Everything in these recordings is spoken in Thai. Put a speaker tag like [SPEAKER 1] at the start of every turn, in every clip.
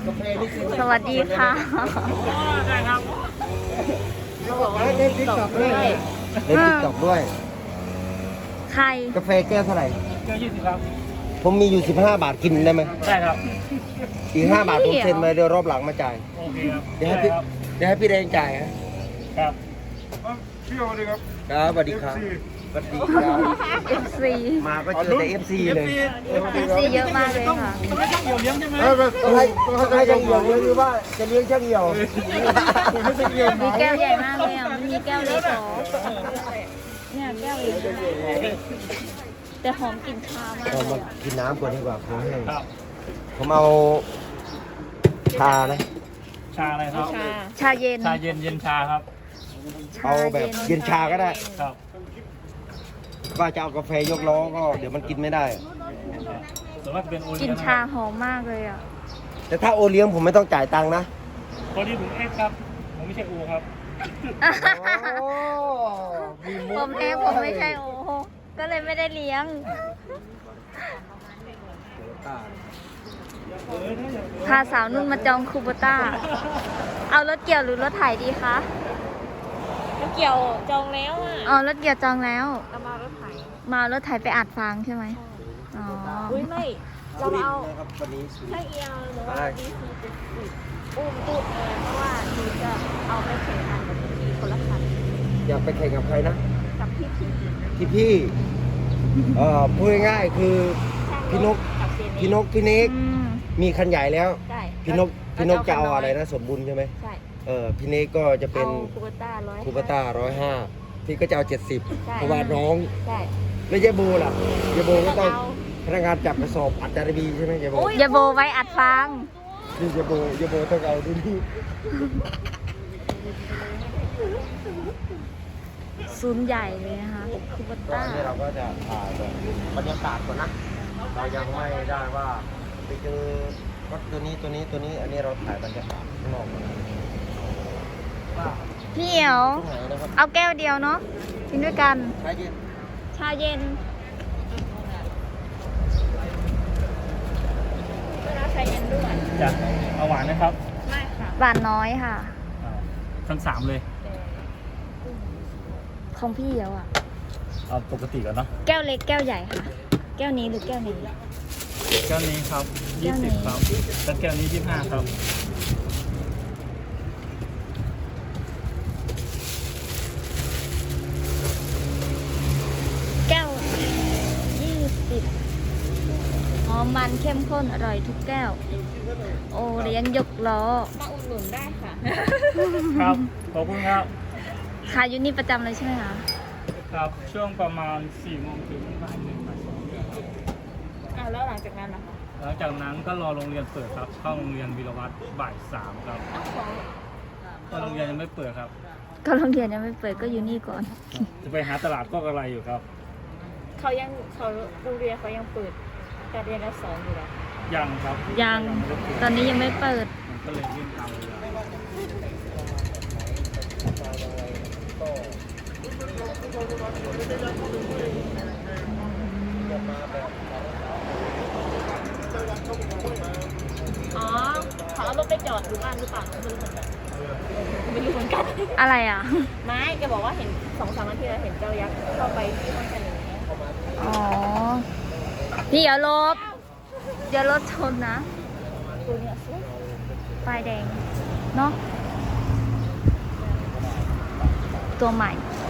[SPEAKER 1] กาแฟนี่กิน
[SPEAKER 2] สวัสดีค่ะ
[SPEAKER 3] ได้ครับ
[SPEAKER 1] เล่นติ๊กต็อกด้วยเล่นติ๊กต็อกด้วย
[SPEAKER 2] ใคร
[SPEAKER 1] กาแฟแก้วเท่าไหร่
[SPEAKER 3] แก้ว20ครับ
[SPEAKER 1] ผมมีอยู่15 บาทกินได้ไหม
[SPEAKER 3] ได้ครับ
[SPEAKER 1] อีก5 บาทผมเซ็นไว้เดี๋ยวรอบหลังมาจ่าย
[SPEAKER 3] โอเคครับ
[SPEAKER 1] เดี๋ยวให้พี่เดี๋ยวให้พี่แดงจ่ายฮะ
[SPEAKER 3] ครับ
[SPEAKER 4] พี่โอดีครับ
[SPEAKER 1] ครับสวัสดีครับสวัสดีครับ
[SPEAKER 2] FC
[SPEAKER 1] มาก็เจอแต่ FC เลย
[SPEAKER 2] FC เยอะมากเลยค่ะ
[SPEAKER 3] ต้องให้ช่างเหี่ยวเลี้ยงใช่ไหม
[SPEAKER 1] ต้องให้ช่างเหี่ยวเลี้ยงหรือว่าจะเลี้ยงช่างเหี่ยว
[SPEAKER 2] มีแก้วใหญ่มากเลยอ่ะมันมีแก้วเล็กเหรอเนี่ยแก้วใหญ่มากแต่หอมกลิ่นชามาก
[SPEAKER 1] เรา
[SPEAKER 2] เล
[SPEAKER 1] มาย
[SPEAKER 2] อะ
[SPEAKER 1] กินน้ำก่อนดีกว่าผมแห้ง
[SPEAKER 3] ครับ
[SPEAKER 1] ผมเอาชานะ
[SPEAKER 3] ชาอะไรครับ
[SPEAKER 2] ชาเย็น
[SPEAKER 3] ชาเย็นเย็นชาครับ
[SPEAKER 1] เอาแบบเย็นชาก็ได้
[SPEAKER 3] ครับ
[SPEAKER 1] ว่าจะเอากาแฟยกล้อก็เดี๋ยวมันกินไม่ได้
[SPEAKER 3] ส่วนมากจะเป็นโอ
[SPEAKER 2] ก
[SPEAKER 3] เลี้
[SPEAKER 2] ลิ่
[SPEAKER 3] ย
[SPEAKER 2] น
[SPEAKER 3] งนะ
[SPEAKER 2] ชาหอมมากเลยอ่ะ
[SPEAKER 1] แต่ถ้าโอเลี้ยงผมไม่ต้องจ่ายตังค์นะ
[SPEAKER 3] พอดีผมเอ็กครับ ผมไม่ใช่โอครับ
[SPEAKER 2] ผมแพ้ผมไม่ใช่โอ้โหก็เลยไม่ได้เลี้ยง พาสาวนุ่นมาจองคูโบต้า เอารถเกี่ยวหรือรถไถดีคะ
[SPEAKER 5] รถเกี่ยวจองแล้วอ่ะ
[SPEAKER 2] อ๋อรถเกี่ยวจองแล้ว
[SPEAKER 5] เรามารถไถ
[SPEAKER 2] มารถไถไปอัดฟางใช่ไหมอ๋อ
[SPEAKER 5] อุ้ยไม่ เราเอา
[SPEAKER 1] นะครับวันนี้
[SPEAKER 5] แค่เอียวหรือว่า
[SPEAKER 1] ได้
[SPEAKER 5] ดีซีจะอุ้มตู้เพราะว่าหนูจะเอาไปแข่งขันกับพี่คนละคัน
[SPEAKER 1] อยากไปแข่งกับใครนะ
[SPEAKER 5] กับพี่
[SPEAKER 1] พี่พูดง่ายๆคือพี่นก
[SPEAKER 5] กับเจเ
[SPEAKER 1] พี่นกพี่นิก
[SPEAKER 2] อืม
[SPEAKER 1] มีคันใหญ่แล้ว
[SPEAKER 5] ใช่
[SPEAKER 1] พี่นกจะเอาอะไรนะสมบูรณ์ใช่ไหม
[SPEAKER 5] ใช่
[SPEAKER 1] พี่นิกก็จะเป็น
[SPEAKER 5] เอาคูเบต้า100
[SPEAKER 1] คูปต้า105พี่ก็จะเอา70เพราะว่าน้อง
[SPEAKER 5] ใช่
[SPEAKER 1] ไม่ใช่โบล่ะยาโบก็ต้อง
[SPEAKER 5] เอา
[SPEAKER 1] พนักงานจับกระสอบอัดจารบีใช่ไหมยาโบ
[SPEAKER 2] อย่าโบไว้อัดฟาง
[SPEAKER 1] นี่ยาโบต้องเอาดูนี่
[SPEAKER 2] ศูนย์ใหญ่เลยนะคะคูโบ
[SPEAKER 1] ก็
[SPEAKER 2] ต้า
[SPEAKER 1] อันนี้เราก็จะถ่ายแบบบรรยากาศก่อนนะเรายังไม่ได้ว่าไปเจอรถตัวนี้อันนี้เราถ่ายบรรยากาศข้างนอกก่อนว่า
[SPEAKER 2] พี่เอ๋ว
[SPEAKER 1] ตรงไหนนะครับ
[SPEAKER 2] เอาแก้วเดียวเนาะกินด้วยกัน
[SPEAKER 1] ใช่ยิน
[SPEAKER 2] ชาเย็น
[SPEAKER 5] เวลาใช้เย็นด้วย
[SPEAKER 3] จะเอาหวานนะครับ
[SPEAKER 5] ไม่ค่ะ
[SPEAKER 2] หวานน้อยค่ะ
[SPEAKER 3] ทั้ง3เลย
[SPEAKER 2] ของพี่เอ๋วอ่ะ
[SPEAKER 3] เอาปกติก่อนเนาะ
[SPEAKER 2] แก้วเล็กแก้วใหญ่ค่ะ แก้วนี้หรือแก้วนี้
[SPEAKER 3] แก้วนี้ครับ
[SPEAKER 2] แก้วนี้
[SPEAKER 3] 20ครับแล้วแก้วนี้25ครับ
[SPEAKER 2] แก้ว20หอมมันเข้มข้นอร่อยทุกแก้ว โอเลี้ยงยกล้อ
[SPEAKER 5] มาอุดหนุนได้ค่ะ
[SPEAKER 3] ครับขอบคุณครับ
[SPEAKER 2] ขายอยู่นี่ประจำเลยใช่ไหมคะ
[SPEAKER 3] ครับช่วงประมาณ4 โมงถึงบ่าย 1 บ่าย 2
[SPEAKER 5] แล้วหลังจากนั้นนะคะ
[SPEAKER 3] หลังจากนั้นก็รอโรงเรียนเปิดครับ เข้าโรงเรียนวีรวัตรบ่าย 3 ครับ
[SPEAKER 5] ของ
[SPEAKER 3] ก็โรงเรียนยังไม่เปิดครับ
[SPEAKER 2] ก็โรงเรียนยังไม่เปิดก็อยู่นี่ก่อน
[SPEAKER 3] จะไปหาตลาดก็อะไรอยู่ครับ
[SPEAKER 5] เขาโรงเรียนเขายังเปิดการเรียนการสอนอยู่เหรอ
[SPEAKER 3] ยังครับ
[SPEAKER 2] ยังตอนนี้ยังไม่เปิด
[SPEAKER 3] มันก็เลยยื่นตามเวลา
[SPEAKER 5] อ๋อเขาเอารถไปจอดอยู่บ้านหรือเปล่าไม่รู้เหมือนกัน
[SPEAKER 2] อะไรอ่ะ
[SPEAKER 5] ไม่แกบอกว่าเห็น2-3 นาทีแล้วเห็นเจ้ายักษ์เข้าไปที่ห้องกันอย่างเงี้ย
[SPEAKER 2] อ๋อ พี่อย่าลบอย่ารถชนนะ
[SPEAKER 5] ตัวเนี้ยสวย
[SPEAKER 2] ไฟแดง เนาะตัวใหม่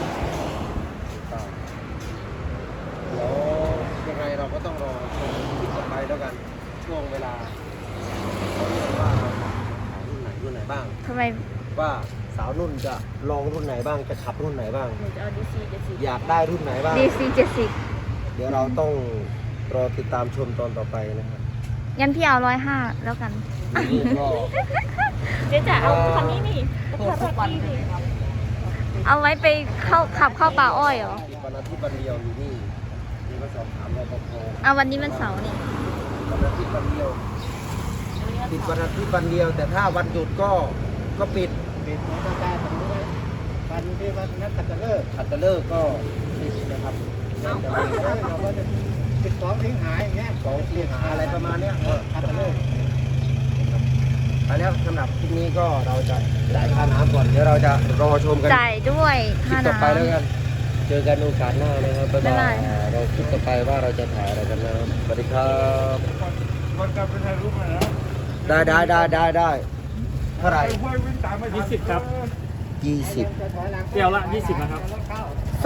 [SPEAKER 1] เดี๋ยวยังไงเราก็ต้องรอชมคลิปต่อไปแล้วกันช่วงเวลาว่าเราขายรุ่นไหนบ้าง
[SPEAKER 2] ทำไม
[SPEAKER 1] ว่าสาวนุ่นจะลองรุ่นไหนบ้างจะขับรุ่นไหนบ้าง
[SPEAKER 5] หนูจะเอาดีซี70
[SPEAKER 1] อยากได้รุ่นไหนบ้าง
[SPEAKER 2] DC 70
[SPEAKER 1] เดี๋ยวเราต้องรอติดตามชมตอนต่อไปนะครับ
[SPEAKER 2] งั้นพี่เอา105แล้วกัน
[SPEAKER 1] นี่ก็
[SPEAKER 5] เจ๊จ๋าเอาคันนี้นี่รถคาราคีนี่
[SPEAKER 2] เอาไว้ไปขับเข้าป่าอ้อยเหรอ
[SPEAKER 1] วันอาทิตย์วันเดียวอยู่นี่นี่ก็สอบถามรปภ
[SPEAKER 2] เอาวันนี้มันเสาร์นี่
[SPEAKER 1] วันอาทิตย์วันเดียวปิดวันอาทิตย์วันเดียว แต่ถ้าวันหยุดก็ปิดของทางการทำด้วยวันที่วันนักขัตฤกษ์ก็ปิดนะครับเราก็จะปิด2 สิงหาอย่างเงี้ย2 สิงหาอะไรประมาณเนี้ยขัตฤกษ์ไปแล้วสำหรับคลิปนี้ก็เราจะจ่ายค่าน้ำก่อนเดี๋ยวเราจะรอชมกัน
[SPEAKER 2] จ่ายด้วย
[SPEAKER 1] คลิ
[SPEAKER 2] ค่า
[SPEAKER 1] ปต่อ
[SPEAKER 2] น้
[SPEAKER 1] ไปแล้วกันเจอกันโอกาสหน้านะครับบ๊าย
[SPEAKER 2] บ๊าย
[SPEAKER 1] บา
[SPEAKER 2] บาย ย
[SPEAKER 1] เราคลิปต่อไปว่าเราจะถ่ายอะไรกันนะครับสวัสดีครับ
[SPEAKER 4] ก่อนกลับไปถ่ายรูปหน่อยนะ
[SPEAKER 1] ได้เท่าไหร่
[SPEAKER 4] ห้วยวิ่งตามไม่ทัน
[SPEAKER 3] 20 ครับ
[SPEAKER 1] 20
[SPEAKER 3] แก้วละ 20 นะครับ
[SPEAKER 2] ำ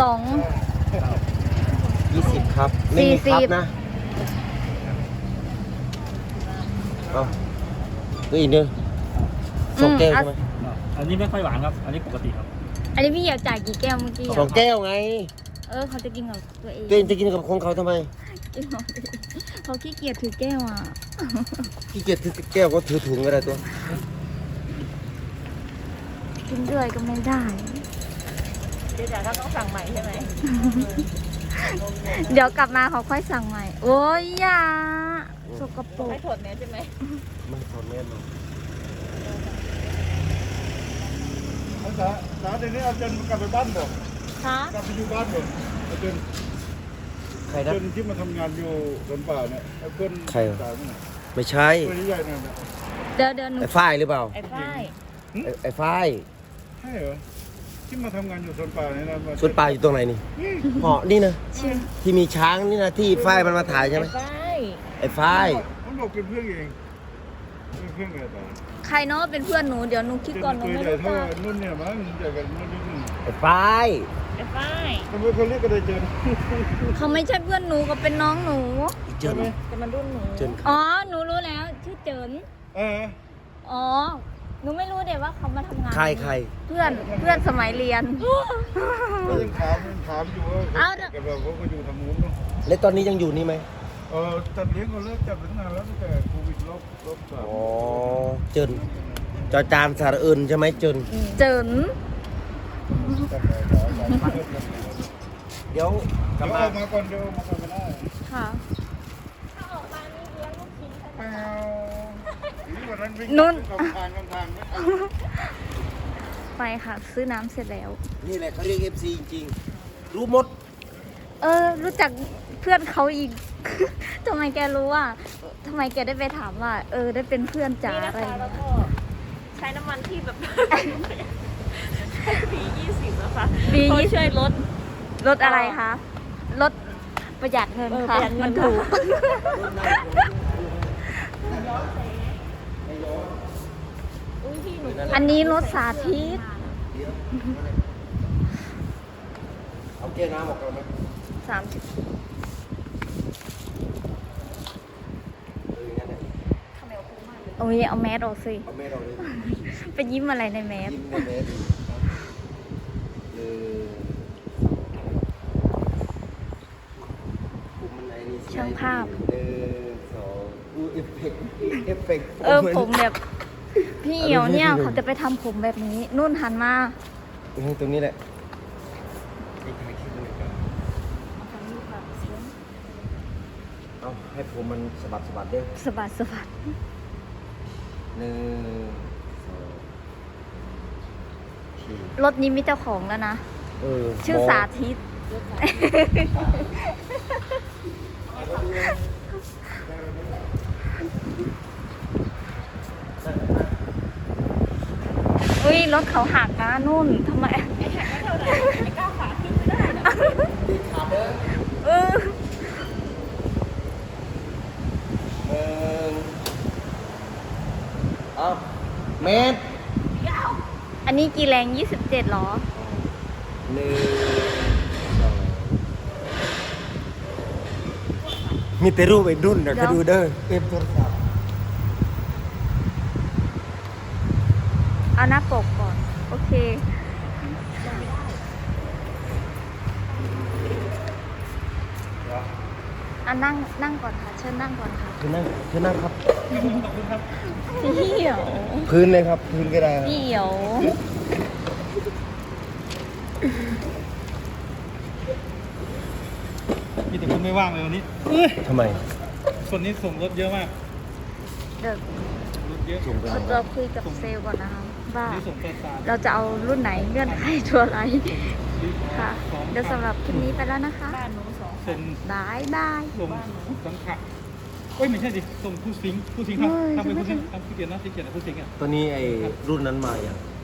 [SPEAKER 1] 20 ครับไม่มีครับนะเอาก็อีกนึงสองแก้วใช่ไหม
[SPEAKER 3] อันนี้ไม่ค่อยหวานครับ อันนี้ปกติครับ
[SPEAKER 2] อันนี้พี่เหี่ยวจ่ายกี่แก้วเมื่อกี้
[SPEAKER 1] สองแก้วไง
[SPEAKER 2] เขาจะกินกับตัวเอง
[SPEAKER 1] ตัวเองจะกินกับของเขาทำไม
[SPEAKER 2] กินของตัวเองเขาขี้เกียจถือแก้วอ่ะ
[SPEAKER 1] ขี้เกียจถือแก้วก็ถือถุงก็ได้ตัว
[SPEAKER 2] กินด้วยก็ไม่ได้
[SPEAKER 5] เดี๋ยวเราต้องสั่งใหม่ใช่ไหม
[SPEAKER 2] เดี๋ยวกลับมาเขาค่อยสั่งใหม่ โอ้ยอย่าสกปรก
[SPEAKER 5] ไม่ถดเนี้ยใช่ไหม
[SPEAKER 1] ไม่ทนแน่นอน
[SPEAKER 4] สาเดี๋ยวนี้อาจารย์กลับไปบ้านบ่
[SPEAKER 5] คะ
[SPEAKER 4] กลับไปอยู่บ้านบ่อาจารย์
[SPEAKER 1] ใคร
[SPEAKER 4] อา
[SPEAKER 1] นะ
[SPEAKER 4] จารย์ที่มาทำงานอยู่สวนป่าเนี่ยไอ้เพื่อน
[SPEAKER 1] ใครวะ
[SPEAKER 4] สาวเนี่ย
[SPEAKER 1] ไม่ใช่
[SPEAKER 4] ตัวใหญ่ๆเนี่ย
[SPEAKER 2] เดี๋ยวหนู
[SPEAKER 1] ไอ้ฝ้ายหรือเปล่า
[SPEAKER 5] ไอ้ฝ้าย
[SPEAKER 1] ไอ้ฝ้าย
[SPEAKER 4] ใช่เหรอที่มาทำงานอยู่สวนป่าเนี่ยนะมา
[SPEAKER 1] สวนป่าอยู่ตรงไหนนี่เหาะนี่นะที่มีช้างนี่นะที่ฝ้ายมันมาถ่ายใช่ไหม
[SPEAKER 5] ไอ้ฝ้าย
[SPEAKER 1] ไอ้ฝ้าย
[SPEAKER 4] มันบอกเป็นเพื่อนเองเป็นเพื่อนไงแต่
[SPEAKER 2] ใครเนาะเป็นเพื่อนหนูเดี๋ยวหนูคิดก่อนหนู
[SPEAKER 4] ตัว
[SPEAKER 2] ไม่
[SPEAKER 4] ใหญ่
[SPEAKER 2] รู้
[SPEAKER 4] เท่า
[SPEAKER 2] จัก
[SPEAKER 4] นุ่นเนี่ยมั้งใหญ่กว่านุ่นนิดนึง
[SPEAKER 1] ไอ้ฝ้าย
[SPEAKER 5] ไอ้ฝ้าย
[SPEAKER 4] ทำไมเขาเรียกกันเลยเจน
[SPEAKER 2] เขาไม่ใช่เพื่อนหนูเขาเป็นน้องหนู
[SPEAKER 1] เจิน
[SPEAKER 5] แต่มันรุ่นหนู
[SPEAKER 1] เจิน
[SPEAKER 2] อ๋อหนูรู้แล้วชื่อเจิน
[SPEAKER 4] เออ
[SPEAKER 2] อ๋อหนูไม่รู้เดี๋ยวว่าเขามาทำงาน
[SPEAKER 1] ใคร
[SPEAKER 2] เพื่อนสมัยเรียน
[SPEAKER 4] ก็ยังถามอยู่ว่า
[SPEAKER 2] เอา
[SPEAKER 4] กับเราเขาก็อยู่ทางนู้นเนาะ
[SPEAKER 1] แล้วตอนนี้ยังอยู่นี่ไหม
[SPEAKER 4] จัดเลี้ยงเขาเลิกจัดตั้งนานแล้วตั้งแต่โควิดรอบสาม
[SPEAKER 1] อ๋อเจินจอจานสระอื่นใช่ไหมเจิน
[SPEAKER 2] เจิน
[SPEAKER 1] เดี๋ยวก
[SPEAKER 4] เดี๋
[SPEAKER 1] ลั
[SPEAKER 4] ย
[SPEAKER 1] บ
[SPEAKER 4] ว
[SPEAKER 1] มา
[SPEAKER 4] ออกมาก่อนเดี๋ยวออกมาก่อนไม่ได้
[SPEAKER 2] ค่ะ
[SPEAKER 5] ถ้าออกมานี่เลี้ยงลูกชิ้น
[SPEAKER 4] เปล่านี่วันนั้นวิ่ง
[SPEAKER 2] นุ่น
[SPEAKER 4] กำทางไม่ทัน
[SPEAKER 2] ไปค่ะ ซื้อน้ำเสร็จแล้ว
[SPEAKER 1] นี่แหละเขาเรียก FC จริงๆรู้หมด
[SPEAKER 2] รู้จักเพื่อนเขาอีก ทำไมแกรู้ว่าทำไมแกได้ไปถามว่า ได้เป็นเพื่อนจ๋า
[SPEAKER 5] นี่นะ
[SPEAKER 2] อะไร
[SPEAKER 5] คะแล้ว
[SPEAKER 2] เงี้ย
[SPEAKER 5] ก็ใช้น้ำมันที่แบบ ปี20นะคะ
[SPEAKER 2] ปี
[SPEAKER 5] เขา
[SPEAKER 2] 20
[SPEAKER 5] ช่วยลด
[SPEAKER 2] รถอะไรคะรถประหยัดเงิน
[SPEAKER 5] ประ
[SPEAKER 2] ค่ะ
[SPEAKER 5] หยัดเงิ
[SPEAKER 2] มัน นถูก
[SPEAKER 5] อุ้ยพี่หนู
[SPEAKER 2] อันนี้รถสาธิต
[SPEAKER 1] เอาแก้วน้ำออกก่อนไหม
[SPEAKER 2] 30
[SPEAKER 1] งั้นเนี่ย
[SPEAKER 2] โอ้ยเอาแมสออกสิ
[SPEAKER 1] เอาแม่เราเลย
[SPEAKER 2] ไปยิ้มอะไรในแมส
[SPEAKER 1] ยิ้มในแม่ดิผมมันไอ้นี่
[SPEAKER 2] ช่างภาพ
[SPEAKER 1] 1 2เอฟเฟกต์
[SPEAKER 2] ผมแบบ พี่เหี่ยวเนี่ยเขาจะไปทำผมแบบนี้ นุ่นหันมา
[SPEAKER 1] ตรงนี้แหละอีกถ่ายคลิปหนึงก่อนเอาให้ผมมันสะบัดเด้อ
[SPEAKER 2] สะบัดสะบัด
[SPEAKER 1] 1 2
[SPEAKER 2] รถนี้มีเจ้าของแล้วนะ ชื่อสาธิต อุ้ยรถเขาหักนะนุ่นทำไม
[SPEAKER 5] ไอ้เท่าไหร่ไอ้ก้าวขาขึ้นไม่ได้นะ
[SPEAKER 1] ขาเด้อ
[SPEAKER 2] เออ
[SPEAKER 1] เอาเมตร
[SPEAKER 2] อันนี้กี่แรง 27หรอ
[SPEAKER 1] 1 2มีแต่รูปไอ้ดุนนะ
[SPEAKER 2] เดี๋
[SPEAKER 1] ก็
[SPEAKER 2] ยว
[SPEAKER 1] ดูเด้อเอฟโทรศัพท์
[SPEAKER 2] เอาหน้าปกก่อน โอเค นั่งก่อนค่ะ เชิญนั่งก่อนค่ะ
[SPEAKER 1] คือนั่งครับ
[SPEAKER 2] พี่เหี่ยว
[SPEAKER 1] พื้นเลยครับ พื้นก็ได้ครับ
[SPEAKER 2] พี่เหี่ยว
[SPEAKER 3] มีแต่คนไม่ว่างเลยวันนี้
[SPEAKER 1] ทำไม
[SPEAKER 3] คนนี้ส่งรถเยอะมาก
[SPEAKER 2] เดี๋ยว
[SPEAKER 3] รถเยอะ
[SPEAKER 1] ส่งไป
[SPEAKER 2] เราคุยกับเซลล์ก่อนนะคะว่า
[SPEAKER 3] นี่ส่งไปสาร
[SPEAKER 2] เราจะเอารุ่นไหนเงื่อนไขตัวอะไรค่ะ เดี๋ยวสำหรับคลิปนี้ไปแล้วนะคะ
[SPEAKER 5] บ้านหนู2
[SPEAKER 3] ส่ง
[SPEAKER 2] บายบาย
[SPEAKER 3] ส่งสังขะเอ้ยไม่ใช่ดิส่งผู้สิงทำเป็นผู้สิงทำผู้เขียนนะที่เขียนผู้สิงอ่ะ
[SPEAKER 1] ตัวนี้ไอ้รุ่นนั้นมาอย่าง